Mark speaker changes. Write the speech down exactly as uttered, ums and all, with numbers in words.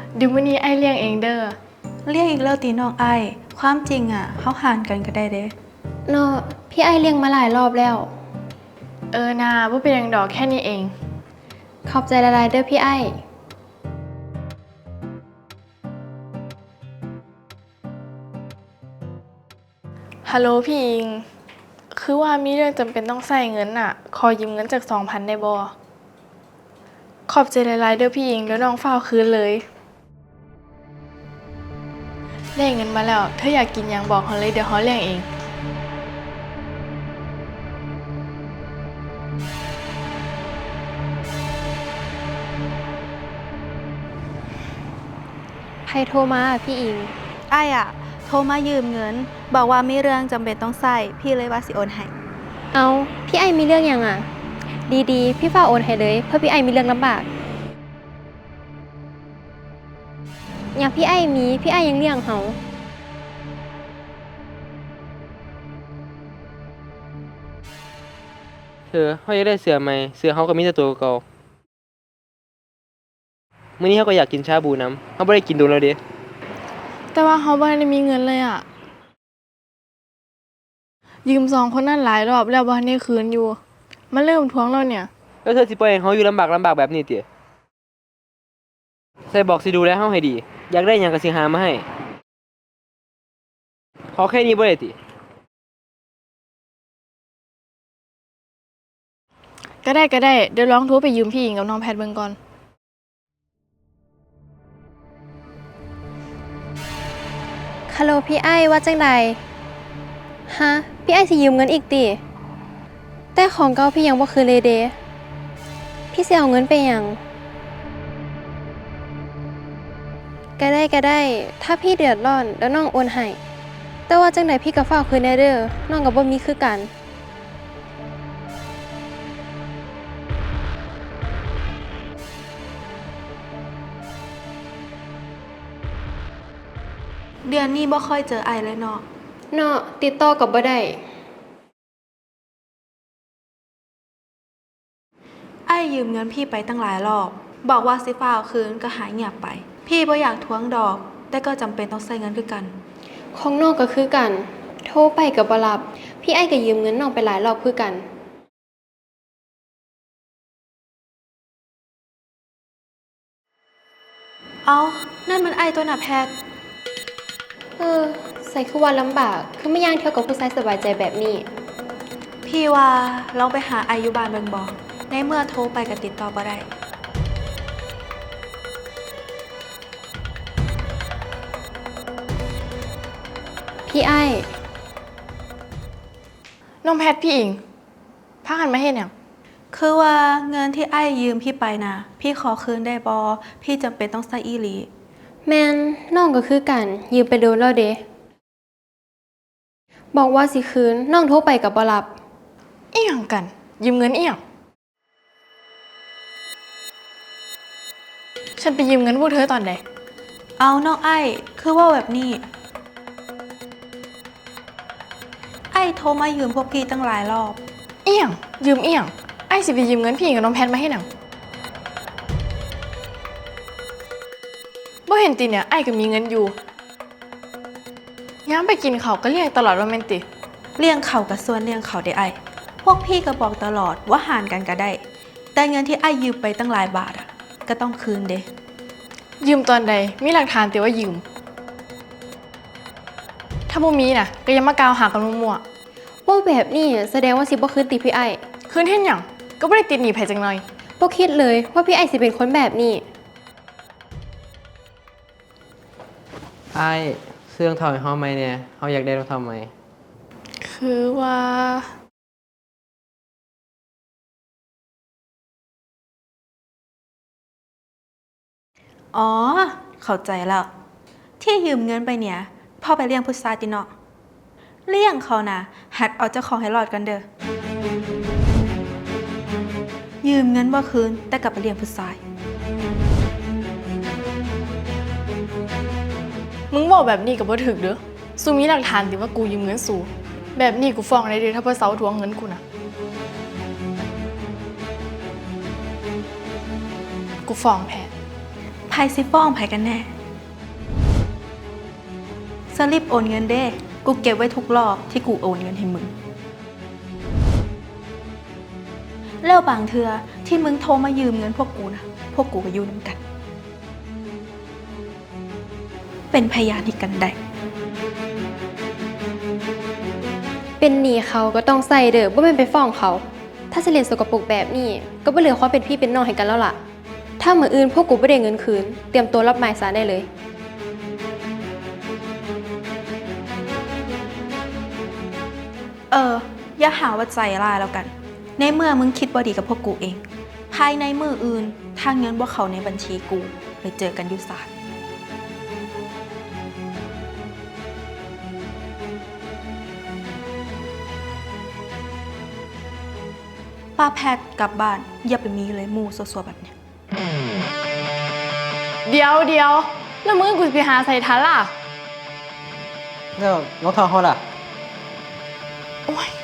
Speaker 1: เดี๋ยวมื้อนี้ไอ้เลี้ยงเองเด้อ
Speaker 2: เรียกอีกแล้วตีน้องไอความจริงอ่ะเขาหารกันก็ได้เด้
Speaker 3: เนาะพี่ไอเลี้ยงมาหลายรอบแล้ว
Speaker 1: เออนาบ่เป็นหยังดอกแค่นี้เอง
Speaker 3: ขอบใจหลายๆเด้อพี่ไอ
Speaker 1: ฮัลโหลพี่อิงคือว่ามีเรื่องจำเป็นต้องใส่เงินน่ะขอยืมเงินจากสองพันได้บ่ขอบใจหลายๆเด้อพี่อิงแล้วน้องฝ้าวคืนเลยได้เงินมาแล้วเธออยากกินหยังบอกเขาเลยเดี๋ยวเขาเลี้ยงเอง
Speaker 3: ใครโทรมาพี่อิง
Speaker 2: ไออ่ะโทรมายืมเงินบอกว่ามีเรื่องจำเป็นต้องใส่พี่เลยว่าสิโอนให้
Speaker 3: เอาพี่ไอมีเรื่องยังอ่ะดีๆพี่ฝ้าโอนให้เลยเพราะพี่ไอมีเรื่องลำบากอย่างพี่ไอมีพี่ไอยังเลี้ยงเขา
Speaker 4: เธอเขาอยากได้เสื้อใหม่เสื้อเขาก็มีแต่ตัวเก่าๆมื้อนี้เขาก็อยากกินชาบูน้ำเขาบ่ได้กินโดนแล้วเด้
Speaker 1: แต่ว่าเขาบ่ได้มีเงินเลยอ่ะยืมสองคนนั้นหลายรอบแล้วบ่ทันได้คืนอยู่มาเริ่มทวงแล้วเนี่ย
Speaker 4: แล้วเธอสิปล่อยให้เขาอยู่ลำบากลำบากแบบนี้ติใส่บอกสิดูแลเขาให้ดีอยากได้หยังก็สิหามาให้ขอแค่นี้บ่ได้ติ
Speaker 1: ก็ได้ก็ได้เดี๋ยวลองโทรไปยืมพี่อิงกับน้องแพทเบิ่งก่อน
Speaker 3: ฮัลโหลพี่ไอว่าจังใดฮะพี่ไอสิยืมเงินอีกติแต่ของเก่าพี่ยังบ่คืนเลยเด้พี่สิเอาเงินไปหยังก็ได้ก็ได้ถ้าพี่เดือดร้อนแล้วน้องโอนให้แต่ว่าจังใดพี่ก็ฝากคืนแน่เด้อน้องก็บ่มีคือกัน
Speaker 2: เดือนนี้บ่ค่อยเจอไอเลยเนาะ
Speaker 3: เนาะติดต่อกับบ่ได้
Speaker 2: ไอยืมเงินพี่ไปตั้งหลายรอบบอกว่าสิฟ้าเอาคืนก็หายเงียบไปพี่บ่อยากทวงดอกแต่ก็จำเป็นต้องใช้เงินคือกัน
Speaker 3: ของน้องก็คือกันโทรไปก็บ่รับพี่ไอก็ยืมเงินน้องไปหลายรอบคือกัน
Speaker 2: เอานั่นมันไอตัวน่ะแพท
Speaker 3: เออใส่คือว่าลำบากคือไม่ย่างเที่ยวกับผู้ชายสบายใจแบบนี้
Speaker 2: พี่ว่าลองไปหาไออยู่บ้านเบิ่งบ่ในเมื่อโทรไปก็ติดต่อบ่ได้
Speaker 3: พี่ไอ
Speaker 1: น้องแพทพี่อิงพากันมาเฮ็ดหยัง
Speaker 2: คือว่าเงินที่ไอ้ยืมพี่ไปนะพี่ขอคืนได้บอพี่จำเป็นต้องใช้อีหลี
Speaker 3: แมนน้องก็คือกันยืมไปโดนแล้วเด้บอกว่าสิคืนน้องโทรไปกับบ่รับ
Speaker 1: อีหยังกันยืมเงินอีหยังฉันไปยืมเงินพวกเธอตอนใด
Speaker 2: เอาน้องไอ้คือว่าแบบนี้ไอ้โทรมายืมพวกพี่ตั้งหลายรอบ
Speaker 1: อีหยังยืมอีหยังไอ้สิไปยืมเงินพี่อิงกับน้องแพทมาให้หนังบ่เห็นติเนี่ยไอ้ก็มีเงินอยู่ย้ำไปกินเขาก็เรียกตลอดว่าแม่นติ
Speaker 2: เลี้ยงเขากับส่วนเลี้ยงเขาได้ไอ้พวกพี่ก็บอกตลอดว่าหารกันก็ได้แต่เงินที่ไอ้ยืมไปตั้งหลายบาทอ่ะก็ต้องคืนเด้
Speaker 1: ยืมตอนใดมีหลักฐานแต่ว่ายืมถ้าบ่มีน่ะก็ยังมากล่าวหากันมั่ว
Speaker 3: ๆว่าแบบนี้แสดงว่าสิบ่คืนติพี่ไอ
Speaker 1: คืนเฮ็ดหยังก็บ่ได้ติดหนี้ไผจักหน่อย
Speaker 3: บ่คิดเลยว่าพี่ไอสิเป็นคนแบบนี้
Speaker 4: ไอ้เสื้อรองเท้าให้เฮาใหม่แน่เฮาอยากได้รองเท้าใหม่
Speaker 1: คือว่า
Speaker 2: อ๋อเข้าใจแล้วที่ยืมเงินไปเนี่ยพ่อไปเลี้ยงพุทธาติเนาะเลี้ยงเขานะหัดเอาเจ้าของให้รอดกันเด้อยืมเงินบ่คืนแต่กลับไปเลี้ยงผู้ชาย
Speaker 1: มึงบอกแบบนี้ก็บ่ถูกเด้อสู้มีหลักฐานติว่ากูยืมเงินสู้แบบนี้กูฟ้องได้เด้อถ้าเพิ่นเซาทวงเงินกูน่ะกูฟ้องแพท
Speaker 3: ไผ
Speaker 2: รสิฟ้องไผกันแน่สลิปโอนเงินเด้ กูเก็บไว้ทุกรอบที่กูโอนเงินให้มึง แล้วบางเทือที่มึงโทรมายืมเงินพวกกูนะ พวกกูก็อยู่น้ำกัน เป็นพยานที่กันได้
Speaker 3: เป็นหนี้เขาก็ต้องใส่เด้อบ่แม่นไปฟ้องเขา ถ้าสิเล่นสกปรกแบบนี้ ก็บ่เหลือความเป็นพี่เป็นน้องให้กันแล้วล่ะ ถ้ามื้ออื่นพวกกูบ่ได้เงินคืน เตรียมตัวรับหมายศาลได้เลย
Speaker 2: เออ อย่าหาว่าใจร้ายแล้วกัน ในเมื่อมึงคิดบ่ดีกับพวกกูเอง ภายในมืออื่น ถ้าเงินบ่เข้าในบัญชีกูไปเจอกันอยู่ศาลป้าแพทย์กลับบ้าน อย่าไปมีเลยหมู่ซัวๆแบบเนี้ย
Speaker 1: เดี๋ยวเดี๋ยวแล้วมึงกูสิไปหาใส่ทันล่ะ
Speaker 4: แล้วรองเท้าเขาล่ะ
Speaker 1: โอ้ย